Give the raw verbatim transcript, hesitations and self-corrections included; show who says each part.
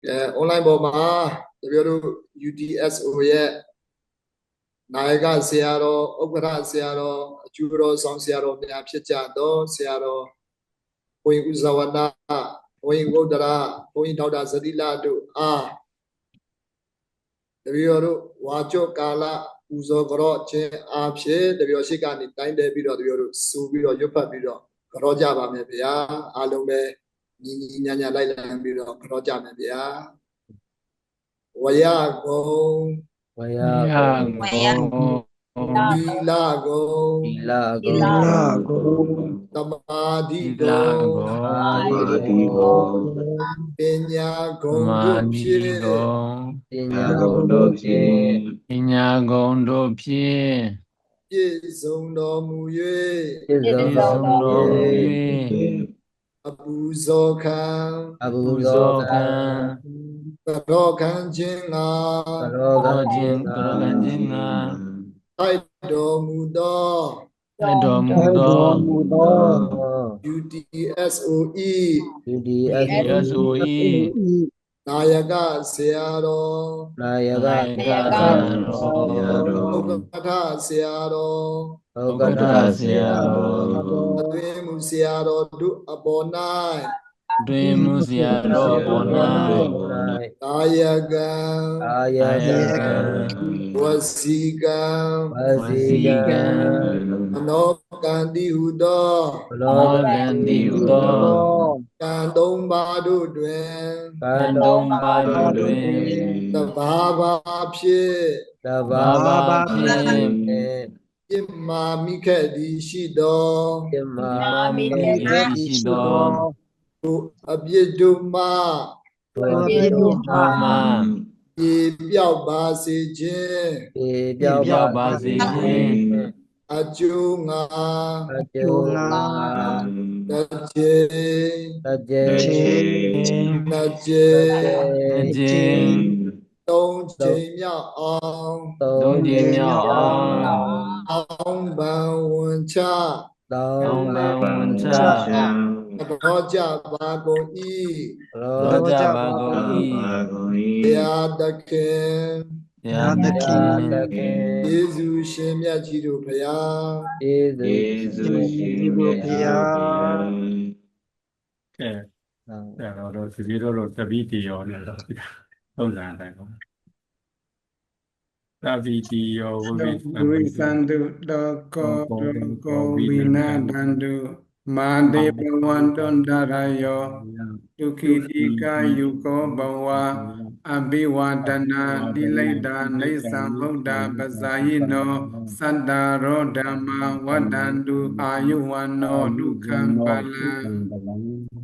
Speaker 1: အဲ online ပေါ်မှာတပြိုတို့ U D S O ရဲ့နာယကဆရာတော်ဥက္ကဋ္ဌဆရာတော်အကျိုးတော်ဆောင်ဆရာတော်များဖြစ်ကြတော့ဆရာတော်ဘုန်းကြီးဥဇဝနာဘုန်းကြီးဝုဒ္ဒရာဘုန်းကြီးဒေါက်တာဇတိလတို့အားတပြိုတို့ဝါကြော့ကာလပူဇော်ကြော့ခြင်းအားဖြင့်တပြိုရှိကနေတိုင်းတယ်ပြီးတော့တပြိုတို့စူပြီးတော့ရွတ်ဖတ်ပြီးတော့ကြော့ကြပါမယ်ဗျာအားလုံးပဲညီညီညာညာလိုက်လံပြီးတော့ကြော့ကြမယ်ဗျာဝရကုံ
Speaker 2: ဝရကုံဝရကုံ
Speaker 1: သီလကုံ
Speaker 2: သီလကုံ
Speaker 3: သီလကုံ
Speaker 1: သမာဓိကုံ
Speaker 2: သမာဓိကုံ
Speaker 1: ပညာဂုဏ်
Speaker 2: သမာ
Speaker 1: တို့
Speaker 2: ဓိ
Speaker 1: ဖြင့်
Speaker 2: ကုံ
Speaker 3: ပညာဂုဏ်တို့ဖြင့်
Speaker 2: ပညာဂုဏ်တို့ဖြင့်
Speaker 1: ပြည့်စုံတော်မူ၍
Speaker 2: ပြည့်စုံတော်မူ၍
Speaker 1: အပူဇော်ခံ
Speaker 3: အပူ
Speaker 2: ပူ
Speaker 3: ဇော
Speaker 2: ဇော်
Speaker 3: ်
Speaker 2: ခံ
Speaker 1: ကရောခံခြင်းငါ
Speaker 3: ကရော
Speaker 2: သော
Speaker 3: ကံ
Speaker 2: ခြင်းကရောကံခြင်းငါ
Speaker 1: ထိုက်တော်မူသော
Speaker 2: ထိုက်တော်မူ
Speaker 3: ထိုက်
Speaker 2: သော
Speaker 3: တော်မူသော
Speaker 1: U D S O E
Speaker 3: U D S O
Speaker 2: S O E
Speaker 1: နာယကဆရာတော်
Speaker 3: နာယက
Speaker 2: နာယကဆရာတော်
Speaker 1: ဥက္ကဋ္ဌဆရာတော်
Speaker 3: ဥ
Speaker 2: ဥ
Speaker 3: က္
Speaker 2: က္
Speaker 3: ကဋ
Speaker 2: ကဋ္ဌ
Speaker 3: ္ဌ
Speaker 2: ဆ
Speaker 3: ဆ
Speaker 2: ရာ
Speaker 3: ရာ
Speaker 2: တော်
Speaker 3: တော်
Speaker 1: အတွင်မူဆရာတော်တို့အပေါ်၌
Speaker 2: တွင်မူဆရာတော်ပေါ်၌
Speaker 1: ကာယကံ
Speaker 3: ကာ
Speaker 2: ကာ
Speaker 3: ယ
Speaker 2: ယ
Speaker 3: ကံ
Speaker 2: ကံ
Speaker 1: ဝစီကံ
Speaker 3: ဝ
Speaker 2: ဝ
Speaker 3: စီ
Speaker 2: စီ
Speaker 3: ကံ
Speaker 2: ကံ
Speaker 1: မနောကံတိဟုသော
Speaker 3: ဘလော
Speaker 2: မောကံတိဟုသော
Speaker 1: ကံသုံးပါးတို့တွင်
Speaker 3: ကံ
Speaker 2: ကံ
Speaker 3: တော်
Speaker 2: သုံးပါးတို့တွင်
Speaker 1: သဘာဝဖြင့်
Speaker 3: တ
Speaker 2: ဘာ
Speaker 3: ဘာ
Speaker 2: ဘာ
Speaker 3: ဝ
Speaker 2: ဖြင့်
Speaker 1: ပြစ်မာမိခဲ့သည်ရှိသော
Speaker 3: ပြမ
Speaker 2: မြမမိ
Speaker 3: မိ
Speaker 2: မိ
Speaker 3: ခဲ့
Speaker 2: တိ
Speaker 3: သည်
Speaker 2: ရှိ
Speaker 3: ရှိ
Speaker 2: သော
Speaker 3: သော
Speaker 1: ထိုအပြစ်တို့မှ
Speaker 3: သော
Speaker 2: အ
Speaker 3: ပြ
Speaker 2: ပြစ်
Speaker 3: စ်
Speaker 2: တို့
Speaker 3: တို့
Speaker 2: မှ
Speaker 3: မှ
Speaker 1: ပြေပြောက်ပါစေခြင်း
Speaker 3: ပြေ
Speaker 2: ပြ
Speaker 3: ပြော
Speaker 2: ည့်
Speaker 3: က်
Speaker 2: ပြော
Speaker 3: ပါ
Speaker 2: က်ပါ
Speaker 3: စေ
Speaker 2: စေ
Speaker 3: ဖြ
Speaker 2: ခြင်း
Speaker 3: င့်
Speaker 1: အကျိုးငါ
Speaker 3: အကျိုးငါ
Speaker 1: တစ်ကြိမ်
Speaker 3: တကျေ
Speaker 1: နှစ်ကြိမ်
Speaker 2: နှစ်ကြိမ်
Speaker 1: သုံးကြိမ်မြောက်အောင်
Speaker 3: သုံ
Speaker 2: သုံး
Speaker 3: း
Speaker 2: ကြိ
Speaker 3: ကြိ
Speaker 2: မ်
Speaker 3: မ်
Speaker 2: မြောက်
Speaker 3: မြော
Speaker 2: အော
Speaker 3: က်
Speaker 2: င်
Speaker 1: အောင်းပန်ဝန်ချ
Speaker 3: သော
Speaker 2: တောင်းပန်ဝန်ချ
Speaker 1: တော်ကြပါကုန်၏
Speaker 3: ရော
Speaker 2: တော်ကြပါကုန်၏
Speaker 1: ဘုရားသခင်
Speaker 2: ဘုရားသခင်
Speaker 3: သခင်
Speaker 1: ယေရှုရှင်မြတ်ကြီးတို့ဘုရား
Speaker 3: ယေရှုရှင်ဘုရား
Speaker 4: ကဲအဲ့တော့တို့ဒီလိုတော့တပိတိရောနဲ့တော့သုံးစံတိုင်းပေါ့တပိတိရောဝိဝိသံ
Speaker 5: ဝိသန္တုတောကောတောကောဝိနာဒန္တုမာဒေဘဝန္တုန္တရယောဒုခိတိကာယုကောဘဝအဘိဝဒနာတိလိဒာနေသံဗုဒ္ဓပဇာယိနောသတ္တရောဓမ္မဝဒန္တုအာယုဝန္နောဒုက္ခံပါလံ